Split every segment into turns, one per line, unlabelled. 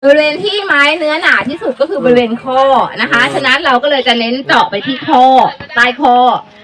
บริเวณที่ไม้เนื้อหนาที่สุดก็คือบริเวณข้อนะคะ ฉะนั้นเราก็เลยจะเน้นเจาะไปที่ข้อใต้ข้อ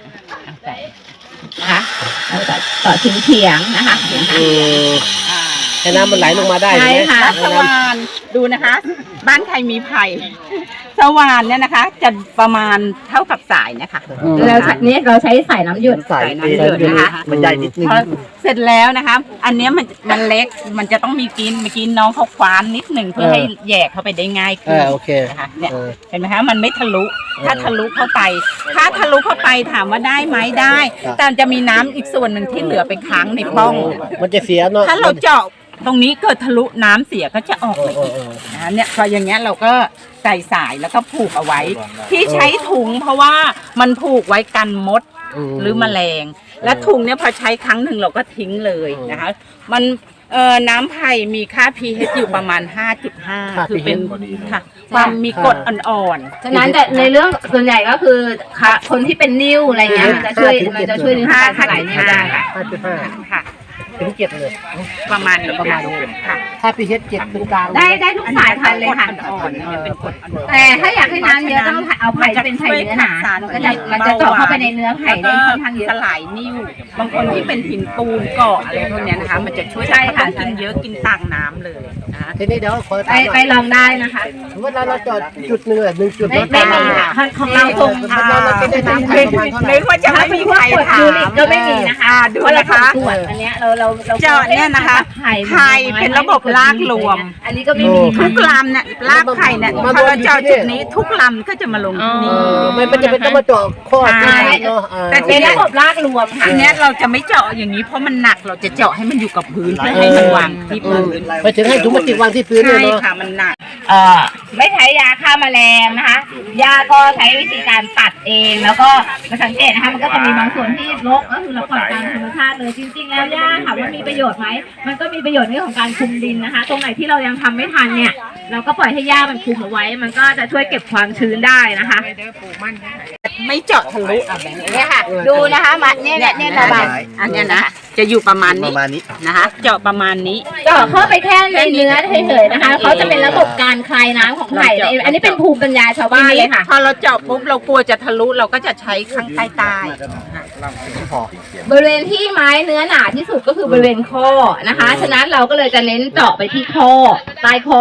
นะคะเราจะเจาะชิ้นเฉียงนะคะ
ให้น้ำมันไหลลงมาได้ใช่ไหมค่ะ
สว่านดูนะคะ บ้านใครมีไผ่สว่านเนี่ยนะคะ จะประมาณเท่ากับสายนะคะ
เราใช้สายน้ำหยด
น้ำหยดนะคะ
มันใหญ่นิดนึง
เสร็จแล้วนะคะอันนี้มันเล็กมันจะต้องมีกินเมื่อกี้น้องเขาคว้านนิดหนึ่งเพื่อให้แยกเข้าไปได้ง่ายขึ้น
โอเค
นะคะเนี่ยเห็นไหมคะมันไม่ทะลุถ้าทะลุเข้าไปถามว่าได้ไหมได้ แต่จะมีน้ำอีกส่วนหนึ่งที่เหลือไปค้างในป้อง
มันจะเสียเนาะ
ถ้าเราเจาะตรงนี้เกิดทะลุน้ำเสียก็จะออกมาอีกนะเนี่ยพออย่างเงี้ยเราก็ใส่สายแล้วก็ผูกเอาไว้ที่ใช้ถุงเพราะว่ามันผูกไว้กันมดหรือแมลงและถุงเนี่ยพอใช้ครั้งหนึ่งเราก็ทิ้งเลยนะคะมันน้ำไผ่มีค่า pH อยู่ประมาณ 5.5 คือเป็นค่ะความมีกรดอ่อน
ๆฉะนั้นแต่ในเรื่องส่วนใหญ่ก็คือคนที่เป็นนิ่วอะไรเงี้ยมันจะช่วยในเรื่องการสลายนิ่วได้
ค่ะ
ถึง7เลย
ประมาณค่ะ
ถ้า pH 7ถึงกลาง
ได้ทุกสายพันธุ์เลยค่ะแต่ถ้าอยากให้น้ำเยอะต้องเอาไผ่เป็นไผ่เนื้อหนามันจะเจาะเข้าไปในเนื้อไผ่ได้ค่อนข้างเยอะ
สลายนิ่วบางคนที่เป็นหินปูนเกาะอะไรพวกนี้นะคะมันจะช่วยได้ค่ะกินเยอะกินต่างน้ำเลยนะ
ทีนี้เดี๋ยวขอ
ไปลองได้นะคะ
เวลาเราจอดจุด1จุด
ไม่มีค่ะของเราคง
เราเป็นน้ำไผ่ประมาณเท่าไหร่
ไม่ว่าจะไม่มีใครถาม
ก็ไม่มีนะคะ
ดูนะคะ
อันนี้เรา
เจาะเนี่ยนะคะไผ่เป็นระบบรากรวม
อันนี้ก็ไม่มี
ทุกลำเนี่ยรากไผ่เนี่ยพอเราเจาะจุดนี้ทุกลำก็จะมาลงที่นี่
มันจะเป็นต้องมาเจาะข้อ
แต่
เป็นระบบรากรวมค่ะ
ทีนี้เราจะไม่เจาะอย่างนี้เพราะมันหนักเราจะเจาะให้มันอยู่กับพื้นเพื่อให้มันวางที่พื้น
ไปถึงให้ถุงพลาสติกวางที่พื้นเลย
เนาะค่ะมันหนัก
ไม่ใช้ยาฆ่าแมลงนะคะยาก็ใช้วิธีการตัดเองแล้วก็มาสังเกตนะคะมันก็จะมีบางส่วนที่รกก็คือเราปล่อยตามธรรมชาติเลยจริงๆแล้วยาถามว่ามีประโยชน์ไหมมันก็มีประโยชน์ในเรื่องของการคุมดินนะคะตรงไหนที่เรายังทำไม่ทันเนี่ยเราก็ปล่อยให้หญ้ามันคุมเอาไว้มันก็จะช่วยเก็บความชื้นได้นะคะ
ไม่เจาะทะลุ
เนี่ยค่ะดูนะคะมาเนี่ยระบาย
อันนี้นะจะอยู่ประมาณนี้นะคะเจาะประมาณนี้
เจาะเข้าไปแค่ในเนื้อเฉยๆนะคะเขาจะเป็นระบบการคลายน้ำของไผ่อันนี้เป็นภูมิปัญญาชาวบ้านเลยค่ะ
พอเราเจาะปุ๊บเรากลัวจะทะลุเราก็จะใช้ข้างใต้
บริเวณที่ไม้เนื้อหนาที่สุดก็คือบริเวณข้อนะคะฉะนั้นเราก็เลยจะเน้นเจาะไปที่ข้อใต้ข้อ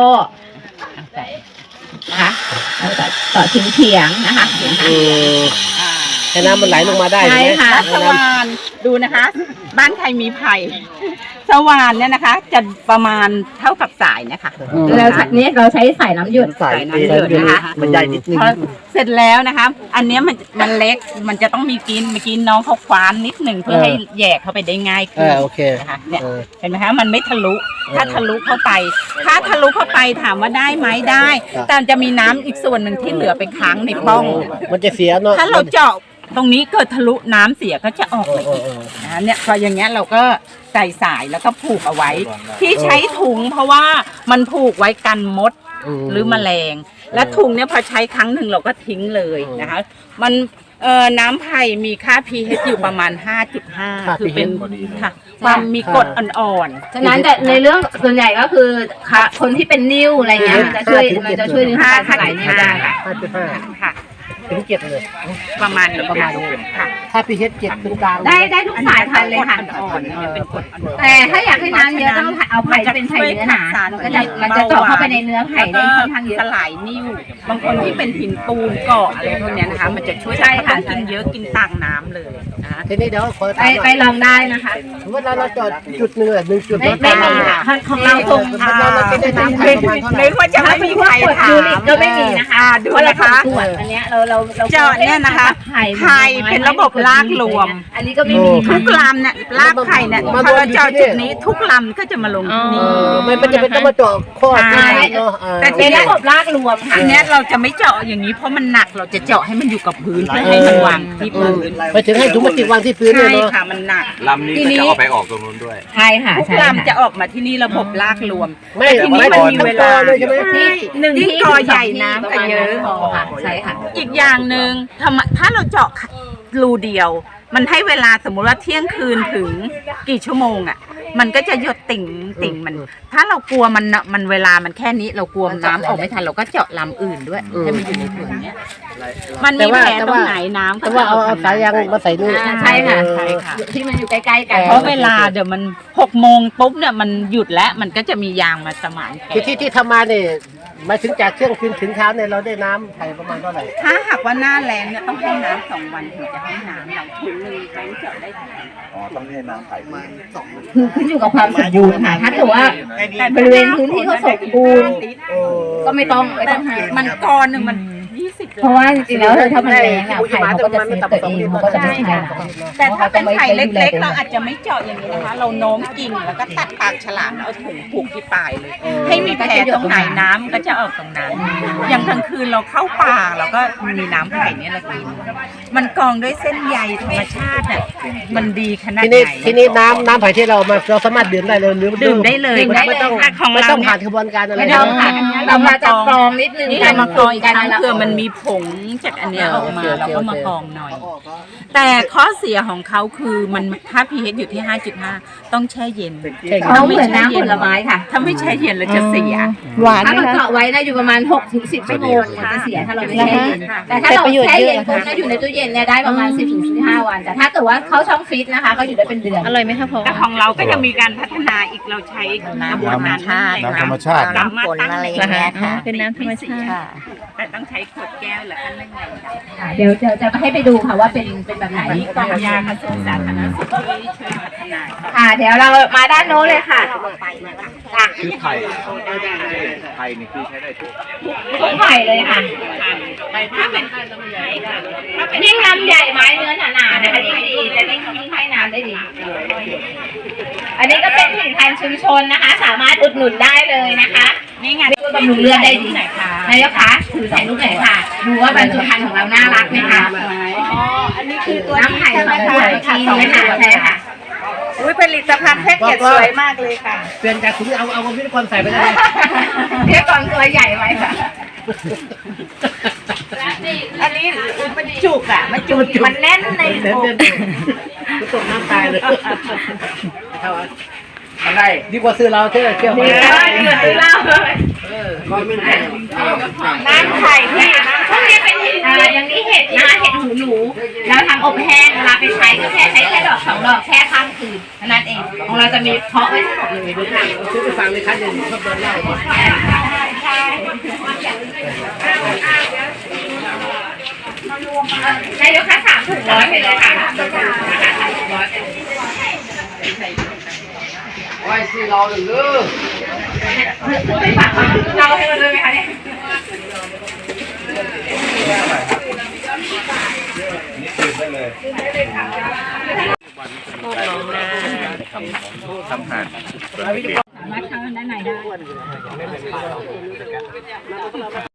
นะคะเราจะเจาะชิ้นเฉียงนะคะ
ให้น้ำมันไหลลงมาได้
ใช่ไหมค่ะ
สว่านดูนะคะ บ้านใครมีไผ่สว่านเนี่ยนะคะ จะประมาณเท่ากับสายนะคะ
เราใช้สายน้ำหยด
นะคะ
มันใหญ่นิดนึง
เสร็จแล้วนะคะอันนี้มันเล็กมันจะต้องมีกินเมื่อกี้น้องเขาคว้านนิดหนึ่งเพื่อให้แยกเข้าไปได้ง่ายขึ้นนะคะเนี่ยเห็นไหมคะมันไม่ทะลุถ้าทะลุเข้าไปถามว่าได้ไหมได้ แต่จะมีน้ำอีกส่วนหนึ่งที่เหลือไปค้างในป้อง
มันจะเสียเนาะ
ถ้าเราเจาะตรงนี้เกิดทะลุน้ำเสียก็จะออกมาอีกนะเนี่ยพออย่างเงี้ยเราก็ใส่สายแล้วก็ผูกเอาไว้ที่ใช้ถุงเพราะว่ามันผูกไว้กันมดหรือแมลงและถุงเนี่ยพอใช้ครั้งหนึ่งเราก็ทิ้งเลยนะคะมันน้ำไผ่มีค่า pH อยู่ประมาณ 5.5 คือเป็นค่ะความมีกรดอ่อน
ๆฉะนั้นแต่ในเรื่องส่วนใหญ่ก็คือคนที่เป็นนิ่วอะไรเงี้ยมันจะช่วยในเรื่องการสลายนิ่วได้
ค่ะ
ถึง7เลย
ประมาณ
ค่ะถ้า pH 7ถึงกลาง
ได้ทุกสายพันธุ์เลยค่ะแต่ถ้าอยากให้น้ำเยอะต้องเอาไผ่เป็นไผ่เนื้อหนามันจะเจาะเข้าไปในเนื้อไผ่ได้ค่อนข้างเยอะ
สลายนิ่วบางคนที่เป็นหินปูนเกาะอะไรพวกนี้นะคะมันจะช่วยได้ค่ะกินเยอะกินต่างน้ำเลยนะคะ
ทีนี้เดี๋ยวขอ
ไปลองได้นะคะ
เวลาเราจอดจุด1จุด
ไม่มีค่ะของเราคง
เราเป็นน้ำไผ่ประมาณเท่าไหร่
ไม่ว่าจะไม่มีใครถาม
ก็ไม่มีนะคะ
ดูนะคะ
อันนี้เรา
เจาะเนี่ยนะคะไผ่เป็นระบบรากรวม
อันนี้ก็ไม่มี
ทุกลำเนี่ยรากไผ่เนี่ยพอเราเจาะจุดนี้ทุกลำก็จะมาลงที่นี่
มันจะเป็นต้องมาเจาะข้อ
แต่
เป็นระบบรากรวม
ทีนี้เราจะไม่เจาะอย่างนี้เพราะมันหนักเราจะเจาะให้มันอยู่กับพื้นเพื่อให้มันวางที่พื้น
ไปถึงให้ถุงพลาสติกวางที่พื้นเลย
เนาะค่ะมันหนัก
ลำนี้จะเอาไปออกตรงนู้นด้วย
ใช่ค่ะ
ทุกลำจะออกมาที่นี่ระบบรากรวม
ไม่
ทีนี้มันมีเวลา
เลยใช่ไหม
ที่กอใหญ่น้ำก็เยอะ
ใช่ค่ะ
อีกอย่างหนึ่งถ้าเราเจาะรูเดียวมันให้เวลาสมมุติว่าเที่ยงคืนถึงกี่ชั่วโมงอ่ะมันก็จะหยดติ่งมัน ถ้าเรากลัวมันเวลามันแค่นี้เรากลัวน้ำออกไม่ทันเราก็เจาะลำอื่นด้วยให้มันอยู่ในถุงเนี้ยมันมีแผลตรงไหนน้ำ
แต่ว่าเอาสายยางมาใส่นี่
ใช่ค่ะ
ใช่ค่ะ
ที่มันอยู่ใกล้ๆกัน
เพราะเวลาเดี๋ยวมัน6 โมงปุ๊บเนี่ยมันหยุดแล้วมันก็จะมียางมาสมานแผล
ที่ทำมาเนี่ยหมายถึงจากเที่ยงคืนถึงเช้าเนี่ยเราได้น้ำไผ่ประมาณเท่าไหร่
ถ้าหากว่าหน้าแล้งเนี่ยต้องให้น้ำ2 วันถึงจะให้น้ำเราถุงนึงแบงค์เจาะได้เท่าไหร่
อ๋อต้องให้น้ำไผ่มา
คือขึ้นอยู่กับความสมบูรณ์ค่ะถ้าเกิดว่าบริเวณพื้นที่เขาสมบูรณ์ก็ไม่ต้องให้
มันกรหนึ่งมัน20
เพราะว่าจริงๆแล้วถ้ามันแรงอ่ะไข่เขาก็จะเซฟตัวเองมันก็จะไม่ใช่
แต่ถ้าเป็นไข่เล็กๆเราอาจจะไม่เจาะอย่างนี้นะคะ เราโน้มกิ่งแล้วก็ตัดปากฉลามแล้วเอาถุงผูกที่ปลายเลย ให้มีแผลตรงไหนน้ำก็จะออกตรงนั้น อย่างกลางคืนเราเข้าป่าเราก็มีน้ำไข่เนี่ยเรากิน มันกรองด้วยเส้นใยธรรมชาติน่ะมันดีขนาด
ที
ไห
นี้
น
ทีนี้น้ำไผ่ที่เรามาเราสามารถดื่มได้เลยหรือ
ดื่มได้เลย
ไม่ต้อง
ของ
ไม่
เรา
ต้อง
เนี่ย
ผ่านกระบวนการอะไร
ไม่ต้องค่ะเรามาจากกรองนิดนึง
นี่เรามากรองอีกครั้งเพื่อมันมีผงจากอันเนี้ยออกมาเราก็มากรองหน่อย แต่ข้อเสียของเขาคือมันถ้า pH อยู่ที่ 5.5 ต้องแช่เย็น
เขาเหมือนน้ำผลไม้ค่ะ
ถ้าไม่แช่เย็นเราจะเสีย
หวาน
ถ้า
ไหม
เรา
คะ
เจาะไว้นะอยู่ประมาณ6-10 ชั่วโมงมันจะเสียถ้าเราไม่แช่เย็นแต่ถ้าเราแช่เย็นปุ๊บนะอยู่ในตู้เย็นเนี่ยได้ประมาณ 10-15 วันแต่ถ้าเกิดว่าเขาช่องฟรีซนะคะก็อยู่ได้เป็นเดือน
อร่อยไหมคะพ่อ
แต่ของเราก็จะมีการพัฒนาอีกเราใช้น้ำธรรมชาติ
น้ำธรรมชาติ
สามารถตั้ง
นะคะอ๋อเป็นน้ำธรรมชาติ
แต่ต้องใช้ขวดแก้วแล้วก็นึ่งในดำ
เดี๋ยวจะให้ไปดูค่ะว่าเป็นแบบไหน
นี่กองยากระทรวงสาธารณสุขที่ช่วยพัฒนา
ค่ะเดี๋ยวเรามาด้านโน้นเลยค่ะจ้ะ
คือไผ่ไผ่นี่คือใช้ได้ทุก
ทุกไผ่เลยค่ะ
ถ้าเป็น
ยิ่งลำใหญ่ไม้เนื้อหนาๆนะคะยิ่งดีจะยิ่งให้น้ำได้ดี อันนี้ก็เป็นผลิตภัณฑ์ชุมชนนะคะ สามารถอุดหนุนได้เลยนะคะ
นี่ไง
ช่วยบำรุงเลือดได้ดี
ไหนคะ
นายกคะถือใส่ลูกไหนอยค่ะ ดูว่าบรรจุภัณฑ์ของเราน่ารักไหมคะ
อ๋ออันนี้คือตัว
น้ำไผ่ของขวดค่ะ2 ขวดใช่ค่ะ
อุ้ยผลิตภัณฑ์แพ็กเกจสวยมากเลยค่ะ
เปลี่ยนจากถุงเอาพิธีกรใส่ไปได้
เรียกก่อนตัวใหญ่ไว้ค่ะ
อันนี้มันจุกอ่ะมันจุกมันแน่นใน
เดิน
อก
ตกน้ำตายเลยอะไรดีกว่าซื้อเราเที่ยว
ดีเลยดีเลยเล่าเลย
น้ำไข่ที่
พวกนี้เป็นอย่างนี้เห็ดนะเห็ดหูหนูแล้วทำอบแห้งเวลาไปใช้ก็ใช้แค่ดอก2 ดอกแช่ข้ามคืนนั่นเองของเราจะมีเพาะไว้ทั้งหมดเลยด้วยค่ะ
ซื้อไปฟังเลยครับอย่างชอบโดนเล่า
นายกคะ3 ถุง100ไปเลยค่ะ
ไว้ซื้อเราหรือ
ไปฝากเราให้มันเลยไหมคะเนี่ย
นี่คือได้เลยทำผ่าน
สามารถเข้าด้านในได้